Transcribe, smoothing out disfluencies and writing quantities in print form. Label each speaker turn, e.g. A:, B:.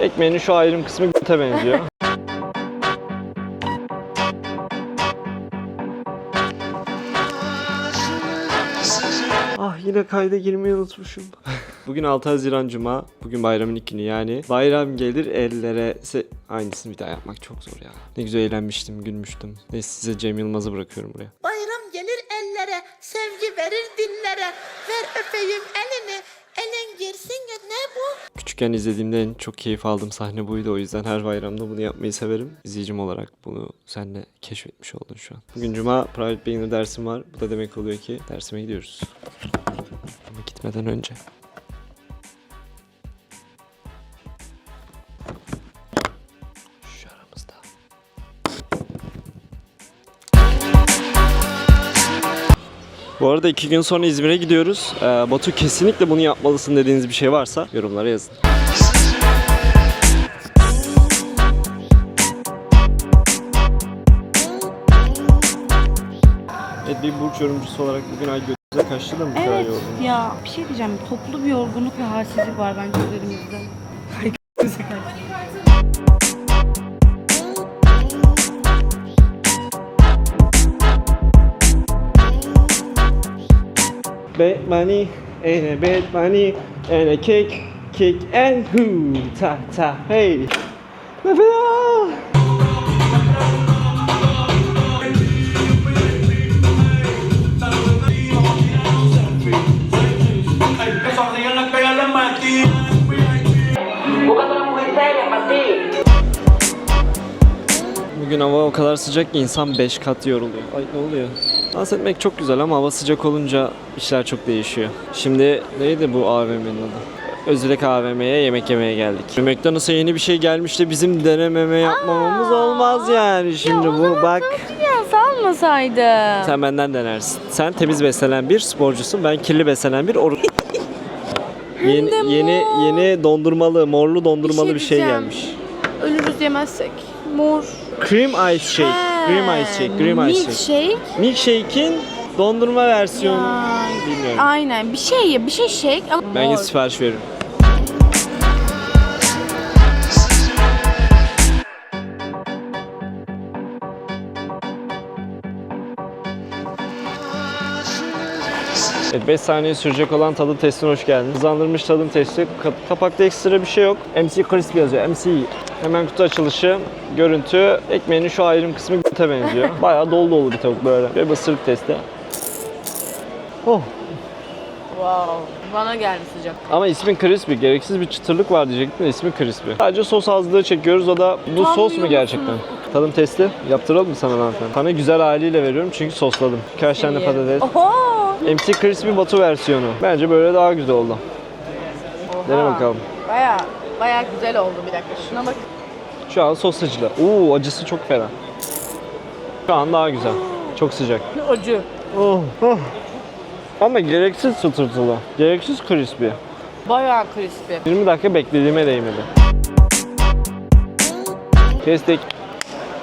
A: Ekmeğinin şu ayrım kısmı göte benziyor. Ah, yine kayda girmeyi unutmuşum. Bugün 6 Haziran Cuma. Bugün bayramın ilk günü yani. Bayram gelir ellere... Aynısını bir daha yapmak çok zor ya. Ne güzel eğlenmiştim, gülmüştüm. Neyse, size Cem Yılmaz'ı bırakıyorum buraya.
B: Bayram gelir ellere, sevgi verir dillere. Ver öpeyim elini, elin girsin ya, ne bu?
A: Küçükken izlediğimde en çok keyif aldığım sahne buydu. O yüzden her bayramda bunu yapmayı severim. İzleyicim olarak bunu sen de keşfetmiş oldun şu an. Bugün Cuma, Private Beginner dersim var. Bu da demek oluyor ki dersime gidiyoruz. Ama gitmeden önce... Şu aramızda. Bu arada 2 gün sonra İzmir'e gidiyoruz. Batu, kesinlikle bunu yapmalısın dediğiniz bir şey varsa yorumlara yazın. Evet, bir burç yorumcusu olarak bugün ay göze kaçtı da mı bu kadar
C: Evet
A: yorgun?
C: ya, bir şey diyeceğim. Toplu bir yorgunluk ve halsizlik var bence üzerimizde. Ay göze kaçtı.
A: Bad money, and a bad money, and a kick, kick and who, ta ta, hey. Bugün hava o kadar sıcak ki insan 5 kat yoruluyor. Ay, ne oluyor? Dans etmek çok güzel ama hava sıcak olunca işler çok değişiyor. Şimdi neydi bu AVM'nin adı? Özülek AVM'ye yemek yemeye geldik. McDonald's'a yeni bir şey gelmiş de bizim denememe yapmamamız olmaz yani. Şimdi bu bak.
C: Ya salmasaydı.
A: Sen benden denersin. Sen temiz beslenen bir sporcusun. Ben kirli beslenen bir yeni dondurmalı, morlu dondurmalı bir şey
C: diyeceğim.
A: gelmiş.
C: Ölürüz yemezsek. Mor.
A: Cream ice shake. Cream ice shake. Cream ice shake.
C: Milkshake.
A: Milkshake'in dondurma versiyonu.
C: Ya,
A: Bilmiyorum.
C: aynen. Bir şey shake ama
A: Ben
C: mor.
A: sipariş veririm. Evet, 5 saniye sürecek olan tadım testine hoş geldiniz. Hızlandırılmış tadım testi. Kapakta ekstra bir şey yok. MC Crispy yazıyor. MC. Hemen kutu açılışı. Görüntü. Ekmeğinin şu ayrım kısmı göte benziyor. Bayağı dolu dolu bir tavuk böyle. Ve ısırık testi. Oh.
C: Wow. Bana geldi sıcak.
A: Ama ismi Crispy. Gereksiz bir çıtırlık var diyecektim de ismi Crispy. Sadece sos azlığı çekiyoruz. O da bu sos mu gerçekten? Tadım testi yaptıralım mı sana hanımefendi? Sana güzel haliyle veriyorum çünkü sosladım. Birkaç tane de patates.
C: Oho.
A: MC Crispy Batu versiyonu. Bence böyle daha güzel oldu. Dene bakalım.
C: Baya güzel oldu, bir dakika. Şuna bak.
A: Şu an sos acılı. Acısı çok fena. Şu an daha güzel. Çok sıcak.
C: Acı.
A: Oh, oh. Ama gereksiz çıtırtılı. Gereksiz crispy.
C: Bayağı crispy.
A: 20 dakika beklediğime değmedi. Kestik.